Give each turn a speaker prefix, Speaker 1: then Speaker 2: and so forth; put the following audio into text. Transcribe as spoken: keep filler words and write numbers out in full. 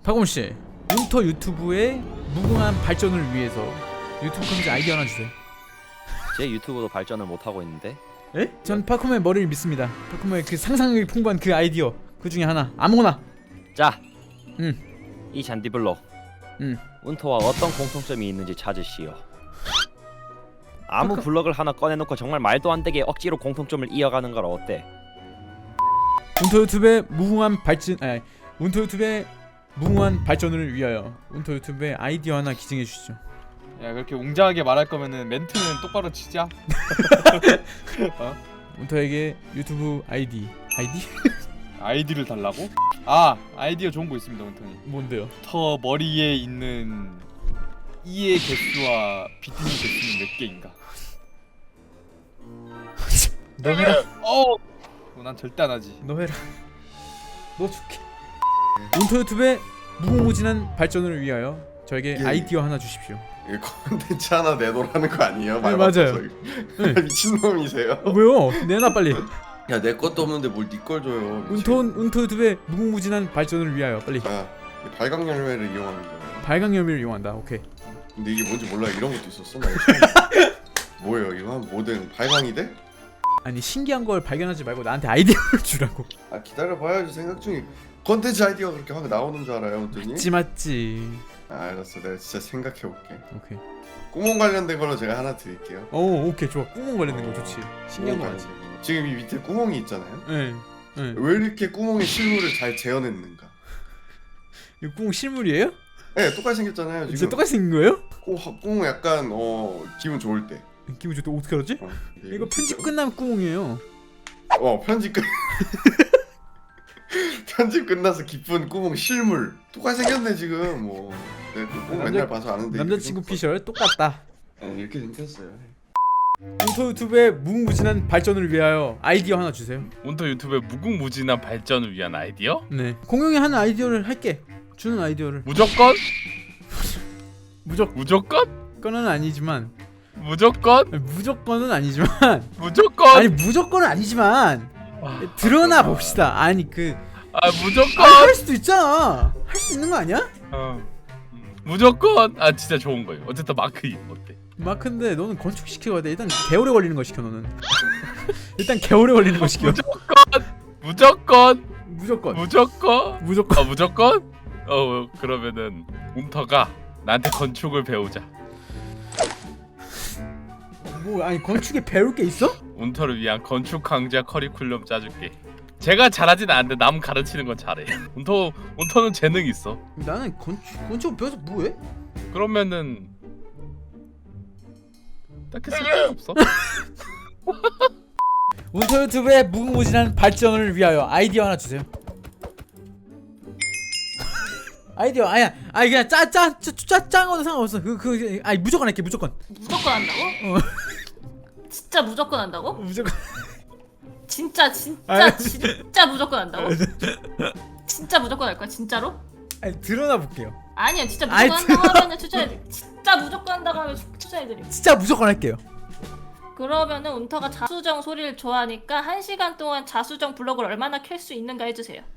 Speaker 1: 박범씨, 운터 유튜브의 무궁한 발전을 위해서 유튜브 컨텐츠 아이디어 하나 주세요.
Speaker 2: 제 유튜브도 발전을 못하고 있는데.
Speaker 1: 에? 전 파쿠모의 머리를 믿습니다. 파쿠모의 그 상상력이 풍부한 그 아이디어 그 중에 하나 아무거나.
Speaker 2: 자,
Speaker 1: 응.
Speaker 2: 이 잔디블록
Speaker 1: 응.
Speaker 2: 운터와 어떤 공통점이 있는지 찾으시오. 아무
Speaker 1: 파쿠...
Speaker 2: 블럭을 하나 꺼내놓고 정말 말도 안 되게 억지로 공통점을 이어가는 걸 어때?
Speaker 1: 운터 유튜브의 무궁한 발전, 아니, 운터 유튜브의 무궁한 발전을 위하여 운터 유튜브의 아이디어 하나 기증해 주시죠.
Speaker 3: 야, 그렇게 웅장하게 말할 거면은 멘트는 똑바로 치자. 어?
Speaker 1: 운터에게 유튜브 아이디 아이디?
Speaker 3: 아이디를 달라고? 아, 아이디어 좋은 거 있습니다, 원통이.
Speaker 1: 뭔데요?
Speaker 3: 터 머리에 있는 이의 개수와 비트니 개수는 몇 개인가?
Speaker 1: 너 해라.
Speaker 3: 어, 어, 난 절대 안 하지.
Speaker 1: 너 해라. 너 줄게. 운터 유튜브의 무궁무진한 발전을 위하여 저에게
Speaker 4: 예.
Speaker 1: 아이디어 하나 주십시오.
Speaker 4: 이거 콘텐츠 하나 내놓으라는 거 아니에요?
Speaker 1: 네, 맞아요. 네.
Speaker 4: 미친놈이세요?
Speaker 1: 어, 왜요? 내놔 빨리.
Speaker 4: 야, 내 것도 없는데 뭘 네 걸 줘요.
Speaker 1: 운터 운터 유튜브의 무궁무진한 발전을 위하여 빨리.
Speaker 4: 아, 발광 열매를 이용하는 거예요.
Speaker 1: 발광 열매를 이용한다. 오케이.
Speaker 4: 근데 이게 뭔지 몰라. 이런 것도 있었어. 나 뭐예요? 이거 한 뭐든 발광이 돼?
Speaker 1: 아니 신기한 걸 발견하지 말고 나한테 아이디어를 주라고.
Speaker 4: 아, 기다려 봐야지. 생각 중에 콘텐츠 아이디어가 그렇게 확 나오는 줄 알아요, 어떠니?
Speaker 1: 맞지 맞지.
Speaker 4: 아, 알았어. 내가 진짜 생각해 볼게.
Speaker 1: 오케이.
Speaker 4: 구멍 관련된 걸로 제가 하나 드릴게요.
Speaker 1: 오 오케이 좋아. 구멍 관련된 거 좋지. 신기한 거
Speaker 4: 구멍
Speaker 1: 맞지.
Speaker 4: 관련. 지금 이 밑에 구멍이 있잖아요.
Speaker 1: 예. 예.
Speaker 4: 왜 이렇게 구멍에 실물을 잘 재현했는가?
Speaker 1: 이 구멍 실물이에요?
Speaker 4: 네, 똑같이 생겼잖아요. 지금.
Speaker 1: 진짜 똑같이 생긴 거예요?
Speaker 4: 구, 구멍 약간 어 기분 좋을 때.
Speaker 1: 기분 좋다. 어떻게 알았지?
Speaker 4: 어,
Speaker 1: 이거 편집 끝나면 구멍이에요.
Speaker 4: 어, 편집 끝. 편집 끝나서 기쁜 구멍 실물 똑같이 생겼네 지금. 뭐 내가 그 구멍
Speaker 1: 남자-
Speaker 4: 맨날 봐서 아는데.
Speaker 1: 남자친구
Speaker 4: 이렇게
Speaker 1: 피셜 똑같다.
Speaker 4: 생겼- 네, 이렇게 생겼어요.
Speaker 1: 운터 유튜브의 무궁무진한 발전을 위하여 아이디어 하나 주세요.
Speaker 5: 운터 유튜브의 무궁무진한 발전을 위한 아이디어?
Speaker 1: 네. 공용이 하는 아이디어를 할게. 주는 아이디어를.
Speaker 5: 무조건?
Speaker 1: 무조건
Speaker 5: 무조건?
Speaker 1: 은 아니지만
Speaker 5: 무조건?
Speaker 1: 아니, 무조건은 아니지만
Speaker 5: 무조건?
Speaker 1: 아니 무조건은 아니지만
Speaker 5: 아,
Speaker 1: 드러나 봅시다. 아니 그
Speaker 5: 아 무조건?
Speaker 1: 아니, 할 수도 있잖아. 할 수 있는 거 아니야?
Speaker 5: 어. 무조건? 아 진짜 좋은 거예요. 어쨌든 마크 이 어때?
Speaker 1: 마크인데 너는 건축 시켜야 돼. 일단 개오래 걸리는 거 시켜 너는. 일단 개오래 걸리는 거 시켜.
Speaker 5: 무조건? 무조건?
Speaker 1: 무조건.
Speaker 5: 무조건?
Speaker 1: 무조건.
Speaker 5: 아 무조건? 어 그러면은 운터가 나한테 건축을 배우자.
Speaker 1: 뭐 아니 건축에 배울 게 있어?
Speaker 5: 운터를 위한 건축 강좌 커리큘럼 짜줄게. 제가 잘하진 않는데 남 가르치는 건 잘해. 운터 운터는 재능 있어.
Speaker 1: 나는 건축 건축 배워서 뭐해?
Speaker 5: 그러면은 딱히 쓸데가 없어.
Speaker 1: 운터 유튜브의 무궁무진한 발전을 위하여 아이디어 하나 주세요. 아이디어 아니야. 아니 그냥 짜짜짜짠 거도 상관없어. 그 그 아니 무조건 할게 무조건.
Speaker 6: 무조건 한다고?
Speaker 1: 어.
Speaker 6: 진짜 무조건 한다고?
Speaker 1: 무조건.
Speaker 6: 진짜 진짜
Speaker 1: 아니.
Speaker 6: 진짜 무조건 한다고? 진짜 무조건 할 거야 진짜로?
Speaker 1: 아니 드러나 볼게요.
Speaker 6: 아니야 진짜
Speaker 1: 아이,
Speaker 6: 무조건 한다고 하면 추천해. 진짜 무조건 한다고 하면 추- 추천해드림.
Speaker 1: 진짜 무조건 할게요.
Speaker 6: 그러면은 운터가 자수정 소리를 좋아하니까 한 시간 동안 자수정 블럭을 얼마나 켤 수 있는가 해주세요.